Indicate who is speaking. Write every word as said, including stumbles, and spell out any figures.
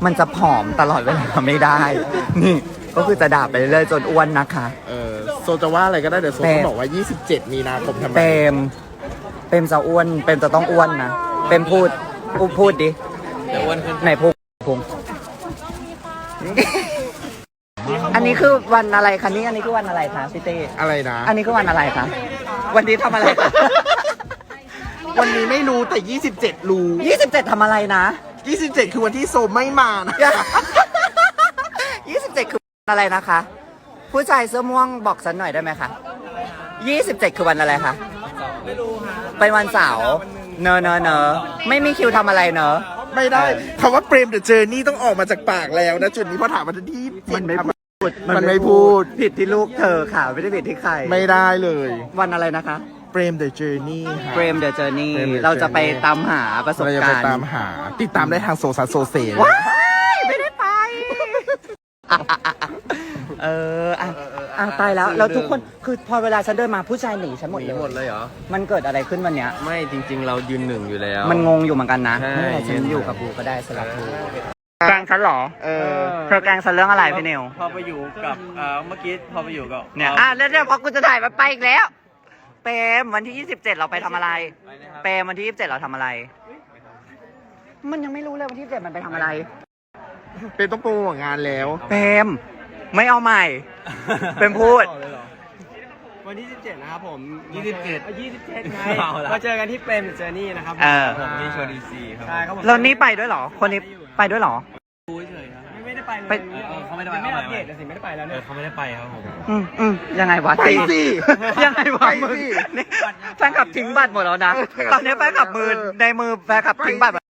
Speaker 1: มันจะผอมตลอดเวลาไม่ได้ นี่ก็คือจะด่าไปเรื่อยๆจนอ้วนนะคะ
Speaker 2: เออโซจะว่าอะไรก็ได้เดี๋ยวโซ
Speaker 1: เปรม
Speaker 2: เขาบอกว่ายี่สิบเจ็ดมีนาคมทำไม
Speaker 1: เปรมเปรมจะอ้วนเปรมจะต้องอ้วนนะเปรมพูดพูดพูดดิ
Speaker 3: จะอ้วนขึ้น
Speaker 1: ไหนพูดพุงอันนี้คือวันอะไรคะนี่อันนี้คือวันอะไรคะพี่เต้
Speaker 2: อะไรนะ
Speaker 1: อันนี้คือวันอะไรคะวันนี้ทำอะไรคะ
Speaker 2: วันนี้ไม่รู้แต่ยี่สิบเจ็ดรู้
Speaker 1: ยี่สิบเจ็ดทำอะไรนะ
Speaker 2: ยี่สิบเจ็ดคือวันที่โซไม่มานะ
Speaker 1: ยี่สิบเจ็ดคือวันอะไรนะคะ ผู้ชายเสื้อม่วงบอกฉันหน่อยได้ไหมคะยี่สิบเจ็ดคือวันอะไรคะไม่รู้ค่ะเป็นวันเสาร์เนอะเนอะเนอะไม่มีคิวทำอะไรเนอะ
Speaker 2: ไม่ได้คำว่าเปรมเดอะเจอร์นี่ต้องออกมาจากปากแล้วนะจุดนี้พอถามมันที่
Speaker 1: มันไม่พูด
Speaker 2: มันไม่พูด
Speaker 1: ผิดที่ลูกเธอค่ะไม่ได้ผิดที่ใคร
Speaker 2: ไม่ได้เลย
Speaker 1: วันอะไรนะคะ
Speaker 2: เปรมเดอะเจอร์นี่
Speaker 1: เฟรมเดอะเจอร์นี่
Speaker 2: Frame the
Speaker 1: เราจะไป
Speaker 2: Journey
Speaker 1: ตามหาประสบ
Speaker 2: เราจะไป
Speaker 1: การณ์
Speaker 2: ตามหา ติดตามได้ทางโซซัสโซเซ
Speaker 1: ว้ายไม่ได้ไป เอออ่ะอ่ะตายแล้วแล้วทุกคนคือพอเวลาฉันเดินมาผู้ชายหนีฉันหมด
Speaker 3: หนี
Speaker 1: เลย
Speaker 3: หมดเลยเหรอ
Speaker 1: มันเกิดอะไรขึ้นวันเนี้ย
Speaker 3: ไม่จริง ๆ เรายืนหนึ่งอยู่แล้ว
Speaker 1: มันงงอยู่เหมือนกันนะ
Speaker 3: ใช่
Speaker 1: ไม่เป็นไรฉันอยู่กับบูก็ได้สลับบูแกล้งฉันเหรอ
Speaker 2: เออ
Speaker 1: เธอแกล้งฉันเรื่องอะไรพี่นิว
Speaker 3: พอไปอยู่กับเอ่อเมื่อกี้พอไปอยู่กับ
Speaker 1: เนี่ยอ่ะแล้วเนี่ยพอกูจะถ่ายมันไปอีกแล้ว เปรมวันที่ยี่สิบเจ็ดเราไปทำอะไร เปรมวันที่ยี่สิบเจ็ดเราทำอะไร มันยังไม่รู้เลยวันที่ยี่สิบเจ็ดมันไปทำอะไร
Speaker 2: เป็นต้องโปรโมทงานแล้ว
Speaker 1: เปรมไม่เอาใหม่ เป็นพูด
Speaker 4: วันที่สิบเจ็ดนะครับผม
Speaker 3: ยี่สิบเจ็ด
Speaker 4: ยี่สิบเจ็ดไง
Speaker 3: เอาละ
Speaker 4: มาเจอกันที่เปรมเจอร์นี่นะครับ
Speaker 1: เออ
Speaker 3: ผมที่ชวนดีซีครับ
Speaker 4: ใช่ครับผม
Speaker 1: แล้วนี่ไปด้วยเหรอ คนนี้ไปด้วยเหรอ
Speaker 3: ดูเฉยๆครับ
Speaker 4: ไม่ไม่ได้ไปเลย
Speaker 1: ไป
Speaker 3: เออเขาไม่ได้ไป
Speaker 4: ยังไม่
Speaker 3: เอา
Speaker 4: อัป
Speaker 3: ใหม่
Speaker 4: เดตเลยสิไม่ได้ไปแล้ว
Speaker 3: เอ
Speaker 4: เนี่
Speaker 3: อย เขาไม่ได้ไปครับผม
Speaker 1: อืมอืมยังไงวะ
Speaker 2: ไปสิ
Speaker 1: ยังไงวะ
Speaker 2: ไป
Speaker 1: มึง
Speaker 2: สิ
Speaker 1: นี่แฟนคลับทิ้งบัตรหมดแล้วนะ ตอนนี้แฟนคลับมือในมือแฟนคลับทิ้งบัตร